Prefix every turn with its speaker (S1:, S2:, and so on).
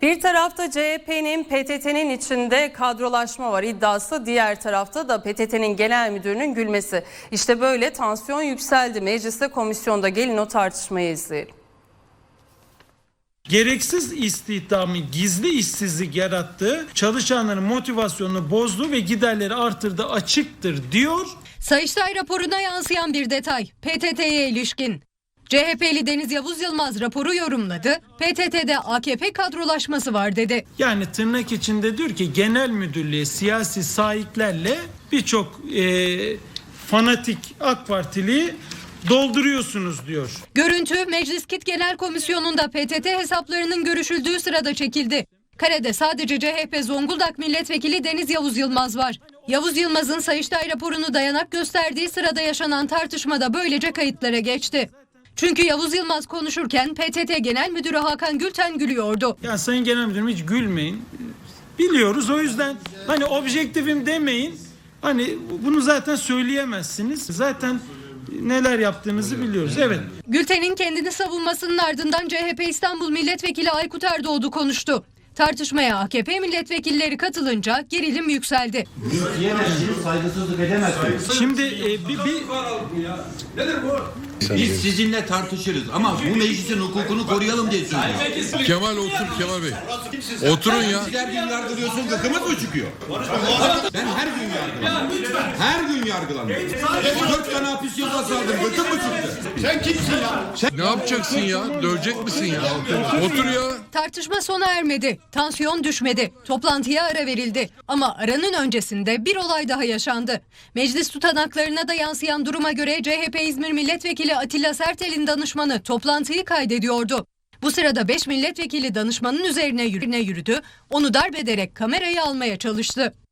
S1: Bir tarafta CHP'nin PTT'nin içinde kadrolaşma var iddiası, diğer tarafta da PTT'nin genel müdürünün gülmesi. İşte böyle tansiyon yükseldi. Mecliste, komisyonda, gelin o tartışmayı izleyelim.
S2: Gereksiz istihdamı, gizli işsizlik yarattı, çalışanların motivasyonunu bozdu ve giderleri artırdı, açıktır diyor.
S3: Sayıştay raporuna yansıyan bir detay PTT'ye ilişkin. CHP'li Deniz Yavuz Yılmaz raporu yorumladı. PTT'de AKP kadrolaşması var dedi.
S2: Yani tırnak içinde diyor ki genel müdürlüğe siyasi sahiplerle birçok fanatik AK Partili dolduruyorsunuz diyor.
S3: Görüntü Meclis KİT Genel Komisyonu'nda PTT hesaplarının görüşüldüğü sırada çekildi. Karede sadece CHP Zonguldak Milletvekili Deniz Yavuz Yılmaz var. Yavuz Yılmaz'ın Sayıştay raporunu dayanak gösterdiği sırada yaşanan tartışmada böylece kayıtlara geçti. Çünkü Yavuz Yılmaz konuşurken PTT Genel Müdürü Hakan Gülten gülüyordu.
S2: Ya Sayın Genel Müdürüm hiç gülmeyin. Biliyoruz, o yüzden hani objektifim demeyin. Hani bunu zaten söyleyemezsiniz. Zaten neler yaptığınızı biliyoruz. Evet.
S3: Gülten'in kendini savunmasının ardından CHP İstanbul Milletvekili Aykut Erdoğdu konuştu. Tartışmaya AKP milletvekilleri katılınca gerilim yükseldi.
S4: Saygısızlık edemezsiniz.
S2: Şimdi
S4: Nedir bu? Biz sizinle tartışırız ama bu meclisin hukukunu koruyalım diye söylüyoruz.
S5: Kemal otur Kemal Bey. Oturun ya.
S4: Sizler gün yargılıyorsun, gıkımız mı çıkıyor? Ben her gün yargılanıyorum. Her gün yargılanıyorum. 4 tane hapis cezası aldım, gıkım mı çıktı? Sen kimsin ya?
S5: Ne yapacaksın ya? Dövecek misin ya? Otur ya.
S3: Tartışma sona ermedi. Tansiyon düşmedi. Toplantıya ara verildi. Ama aranın öncesinde bir olay daha yaşandı. Meclis tutanaklarına da yansıyan duruma göre CHP İzmir Milletvekili Atilla Sertel'in danışmanı toplantıyı kaydediyordu. Bu sırada 5 milletvekili danışmanın üzerine yürüdü. Onu darp ederek kamerayı almaya çalıştı.